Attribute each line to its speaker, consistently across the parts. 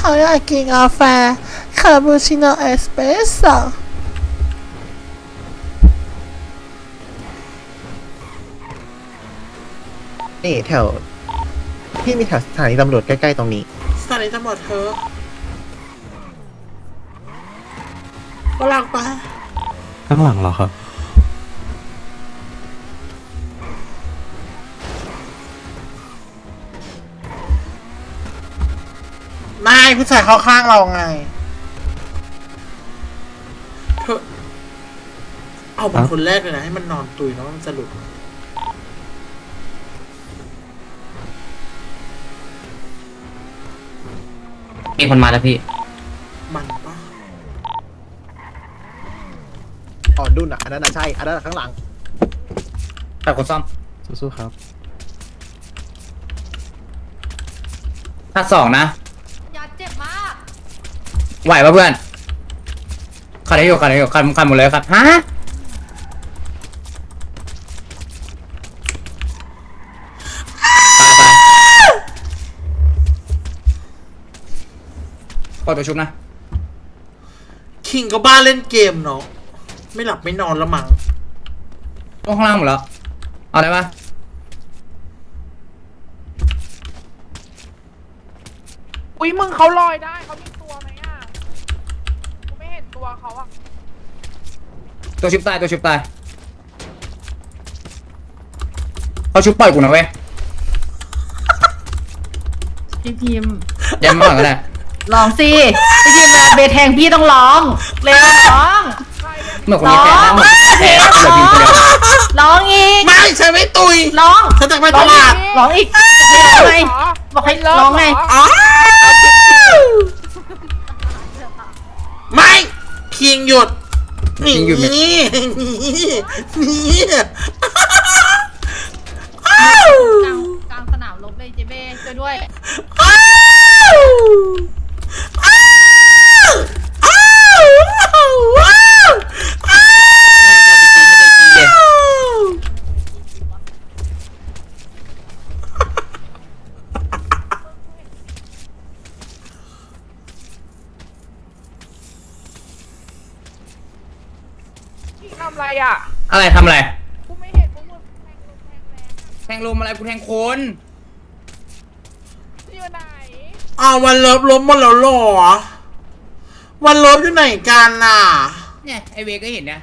Speaker 1: เขาอยากกินกาแฟคาปูชิโน่เอสเปรสโซ่
Speaker 2: นี่แถวพี่มีแถวสถานีตำรวจใกล้ๆตรงนี้
Speaker 1: สถานีตำรวจเธอฝรั่งปะ
Speaker 3: ข้างหลังเหรอครับ
Speaker 1: นายผู้ชายเข้าข้างเราไงเธอเอาเป็นคนแรกเลยนะให้มันนอนตุยแล้วมันจะหลุด
Speaker 4: มีคนมาแล้วพี่
Speaker 1: มันปะ
Speaker 2: อ๋อดุนอ่ะอันนั้นอ่ะใช่อันนั้นอะข้างหลัง
Speaker 4: แต่คนซ่อม
Speaker 3: สู้ๆครับ
Speaker 4: ถ้าสองนะ
Speaker 5: อย่าเจ็บมาก
Speaker 4: ไหวป่ะเพื่อนขัดได้อยู่ขัดหมดเลยครับฮะกดตัวชุบนะ
Speaker 1: คิงก็บ้าเล่นเกมเนาะไม่หลับไม่นอนแล้วมั้ง
Speaker 4: ลงข้างล่างหมดแล้ว เอาได้ปะ
Speaker 6: อุ้ยมึงเขาลอยได้เขามีตัวไหมอ่ะกูไม่เห็นตัวเขาอ่ะ
Speaker 4: ตัวชุบตายเขาชุบปล่อยกูนะเว้ย
Speaker 5: พี่พิมพ์
Speaker 4: ยันมาก่อนก็ได้
Speaker 5: ลองสิพี่พิมพ์แบบเบทแทงพี่ต้องร้องเร็วร้อง
Speaker 4: เมื่อคนนี้แพ้แล้วเหมือนแพ้เหลือพิมพ์คนเดียว
Speaker 5: ร้องอีก
Speaker 1: ไม่ฉันไม่ตุย
Speaker 5: ร้อง
Speaker 1: ฉันจะไปตลาด
Speaker 5: ร้องอีกให้ร้องไงบอกให้ร้องไง
Speaker 1: อ๋อไม่คิงหยุดนี่นี่
Speaker 5: กลางสนามรบเลยเจเบ้ช่วยด้วย
Speaker 6: ทำอะไรอ่ะ
Speaker 4: อะไรทำอะไร
Speaker 6: กูไม่เห็นพวกมึงแทงลมแทงแรง
Speaker 4: แทงลมอะไรกูแทงคน
Speaker 6: อยู่ไหน
Speaker 1: เอาวันเลิฟล้มหมดแล้วเหรอวันเลิฟอยู่ไหนกันน่ะ
Speaker 4: เนี่ยไอเวก็เห็นนะ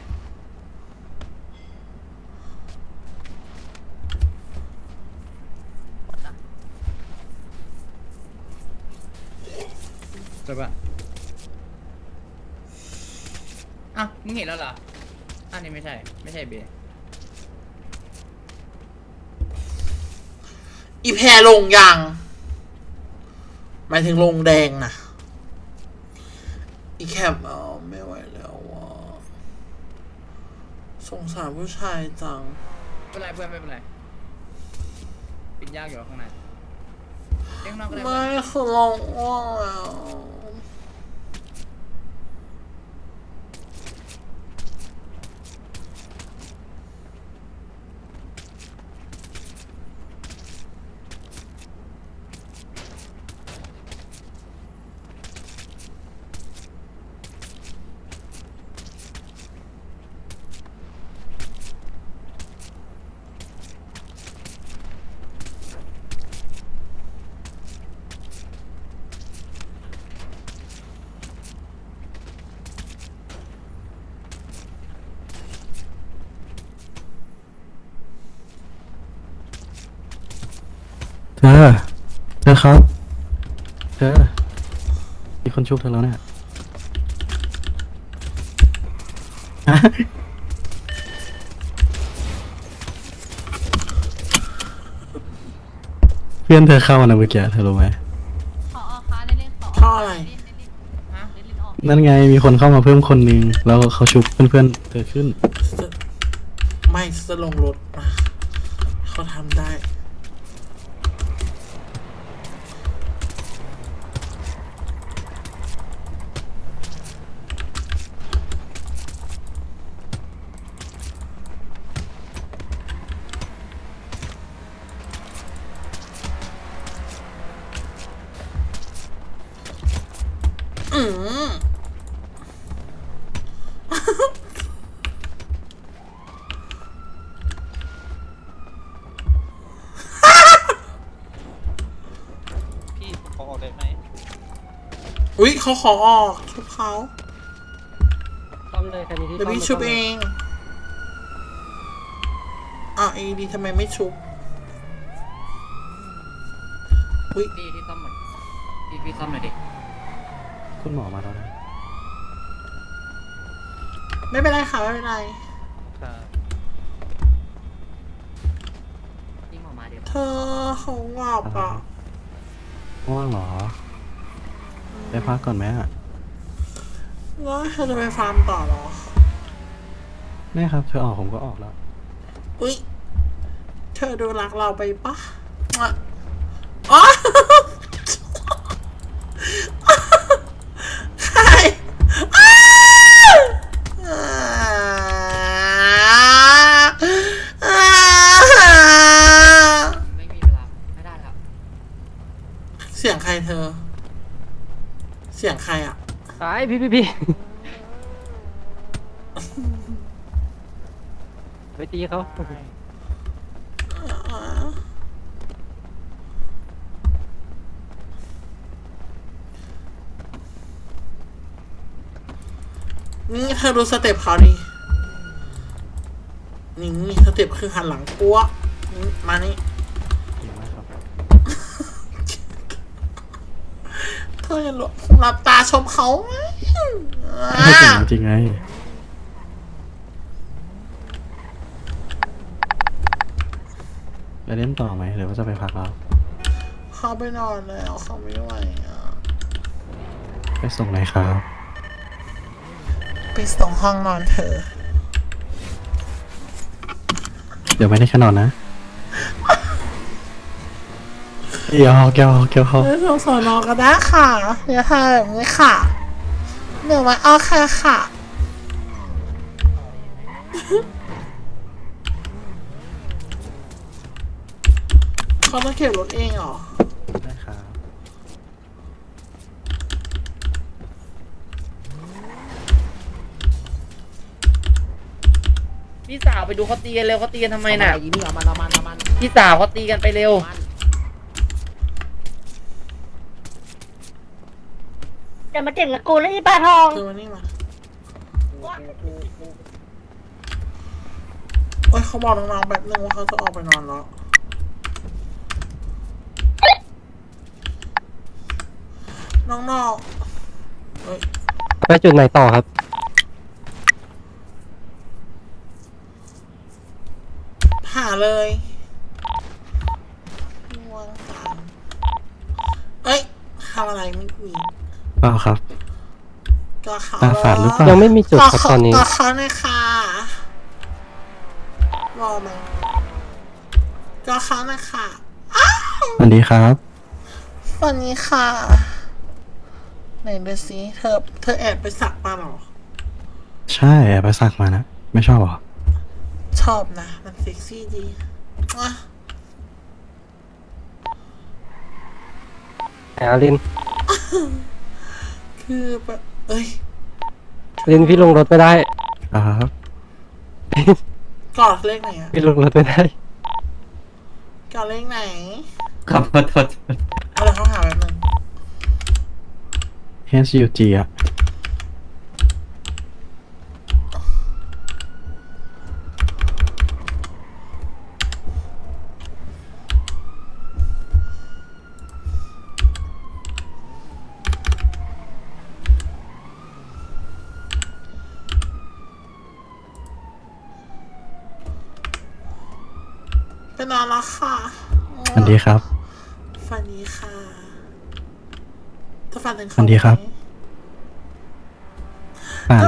Speaker 4: จบปะอ้าวมึงเห็นแล้วเหรออันนี้ไม่ใช่เบ
Speaker 1: อีแพรลงยังหมายถึงลงแดงนะอีแคปไม่ไหวแล้วว่ะสงสารผู้ชายจัง
Speaker 4: ไม่เป็นไรเพื่อนไม่เป็นไรปิดยากอยู่ข้างในเล่นข้างนอกก็ได้
Speaker 1: ไม่คือลงอ้วงแล้ว
Speaker 3: เธอครับ เธอ มีคนชุบเธอแล้วเนี่ย เพื่อนเธอเข้ามานะเมื่อกี้เธอรู้ไหม
Speaker 5: ขอคะเล่นขอ
Speaker 1: เพราะอะไร
Speaker 5: เล่นออก
Speaker 3: นั่นไงมีคนเข้ามาเพิ่มคนนึงแล้วเขาชุบเพื่อนๆเธอขึ้น
Speaker 1: ไม่จะลงรถมาเขาทำได้อืม
Speaker 7: พี่ผมขอออกได้ไหม
Speaker 1: อุ๊ยเขาขอออกชุบเขา
Speaker 8: ซ่อมเลยคันนี้ที่
Speaker 1: เดี๋ยวพี่
Speaker 8: ซ่
Speaker 1: ชุ
Speaker 8: ม
Speaker 1: บ
Speaker 8: ลย
Speaker 1: เองดีทำไมไม่ชุบ อุ๊ย
Speaker 4: พี่ที่ซ่อมหมดพี่ซ่อมหน่อยดิ
Speaker 3: คุณหมอมาแล้วนะ
Speaker 1: ไม่เป็นไรค่ะไม่เป็นไร
Speaker 7: ครับ
Speaker 4: พี่หมอมาเดี๋ยว
Speaker 1: เธอเขาหลับอ่ะ
Speaker 3: ง่วงเหรอ ไปพักก่อนไหมอ่ะ
Speaker 1: แล้วเธอจะไปฟาร์มต่อเหรอ
Speaker 3: แม่ครับ เธอออกผมก็ออกแล้ว
Speaker 1: อุ๊ย เธอดูรักเราไปปะอ่ะอ๋อ ใครอ้าวอ่า
Speaker 4: ไม่มีเวลาไม่ได้แล้ว
Speaker 1: เสียงใครเธอ เสียงใครอ่ะ
Speaker 8: ไอ้พี่ไปตีเขา
Speaker 1: นี่เธอดูสเต็ปเขาดิ นี่สเต็ปคือหันหลังปั้วนี่มานี่
Speaker 3: เก่งมากครับ
Speaker 1: เธออย่าหลับตาชมเขาไหม
Speaker 3: ไม่เก่งจริงไง ไปเล่นต่อไหมหรือว่าจะไปพักแล้ว
Speaker 1: เขาไปนอนแล้วเขาไม่ไหวอ่ะ
Speaker 3: ไปส่งไหนครับ
Speaker 1: ไปส่งห้องนอนเธอ
Speaker 3: เดี๋ยวไม่ได้แค่นอนนะเกี่ยวเขา
Speaker 1: ไปส่งสอนอก็ได้ค่ะอย่าทำแบบนี้ค่ะหนูมาเอาค่ะค่ะ เขาต้องเก็บรถเองเหรอ
Speaker 3: ได้ครับ
Speaker 4: พี่สาวไปดูเขาตีกันเร็วเขาตีกันทำไมน่ะ
Speaker 6: อีนี่เอามัน
Speaker 4: พี่สาวเขาตีกันไปเร็ว
Speaker 5: จะมาเก่งกับกูแล้วอีปลาทอง
Speaker 1: เธอมานี่มาโอ้ยเขาบอกน้องๆแบบนึงว่าเขาจะออกไปนอนแล้ว น้องๆเอ้ย
Speaker 8: ไปจุดไหนต่อครับ
Speaker 1: หาเลยง่วงจังเอ้ยทำอะไรไม่มี
Speaker 3: เปล่าครับ
Speaker 1: ก็เขา
Speaker 3: ตาฝาดหรือเปล่า
Speaker 8: ยังไม่มีจุดครับตอนนี้
Speaker 1: ก็เขาเลยค่ะรอไหมก็เขาเลยค่ะอ้าว
Speaker 3: สวัสดีครับ
Speaker 1: วันนี้ค่ะ ไหนดูสิเธอแอบไปสักมาเหรอ
Speaker 3: ใช่แอบไปสักมานะ ไม่ชอบเหรอ
Speaker 1: ชอบนะ มันเซ็กซี่ดีอ่ะ
Speaker 8: อาริน
Speaker 1: คือแบบเอ้ย
Speaker 8: ลินพี่ลงรถไม่ได้
Speaker 3: ครับ
Speaker 1: กอดเลขไหนอะ
Speaker 8: พี่ลงรถไม่ได้
Speaker 1: กอดเลขไหน
Speaker 7: ครับขอโทษ
Speaker 1: เอาเดี๋ยวเขาหาแบบนึง
Speaker 3: HUG อ่ะ
Speaker 1: ไปนอนแล้วค่ะ
Speaker 3: สวัสดีครับ
Speaker 1: ฝันดีค่ะจะฝันถึงเขา
Speaker 3: ฝันดีครับ
Speaker 1: ไหม
Speaker 3: ฝัน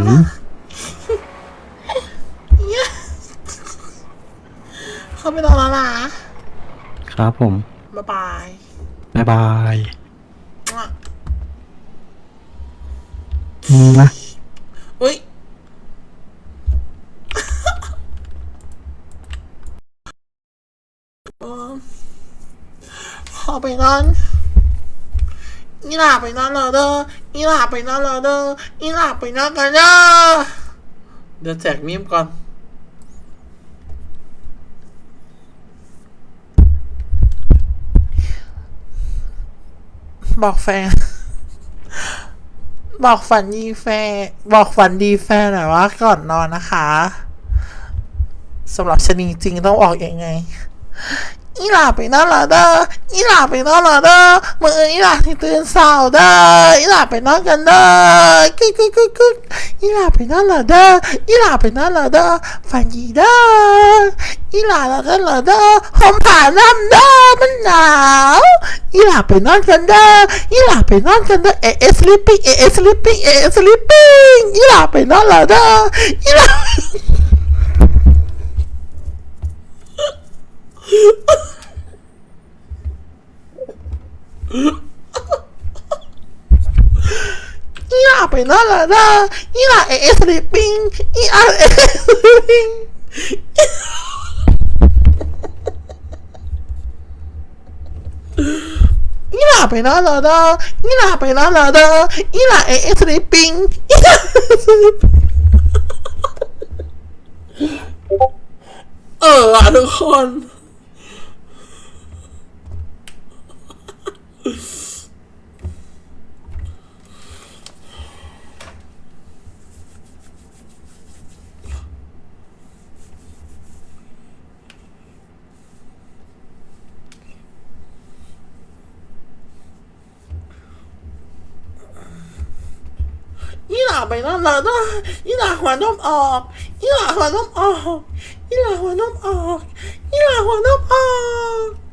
Speaker 1: เขาไปนอนแล้วนะครับ
Speaker 3: ผม
Speaker 1: บ๊ายบาย
Speaker 3: บ๊ายบาย
Speaker 1: มั่ว
Speaker 3: นะ
Speaker 1: อุ้ยขอไปนอนหล่าไปนอนรอเด้ออีหล่าไปนอนรอเด้ออีหล่าไปนอนกันเด้อเดี๋ยวแจกมีมก่อน บอกแฟน บอกฝันดีแฟน บอกฝันดีแฟนหน่อยว่าก่อนนอนนะคะสำหรับชะนีจริงต้องบอกยังไง อีหล่าไปนอนรอเด้ออีหล่าไปนอนรอเด้อมืออีหล่าที่ตื่นเศร้าเด้ออีหล่าไปนอนกันเด้อกึกกึกกึกกึกอีหล่าไปนอนรอเด้ออีหล่าไปนอนรอเด้อฝันดีเด้ออีหล่าเรากันรอเด้อห่มผ้าน้ำเด้อมันหนาวอีหล่าไปนอนกันเด้ออีหล่าไปนอนกันเด้อsleeping sleeping sleeping อีหล่าไปนอนรอเด้ออีหล่า อีหล่าไปนอนรอเด้ออีหล่าsleeping อีหล่า sleeping อีหล่าไปนอนรอเด้ออีหล่าไปนอนรอเด้ออีหล่าsleeping อีหล่า sleeping ทุกคนอีหล่าไปนอนรอเด้ออีหล่าหัวนมออกอีหล่าหัวนมออกอีหล่าหัวนมออกอีหล่าหัวนมออก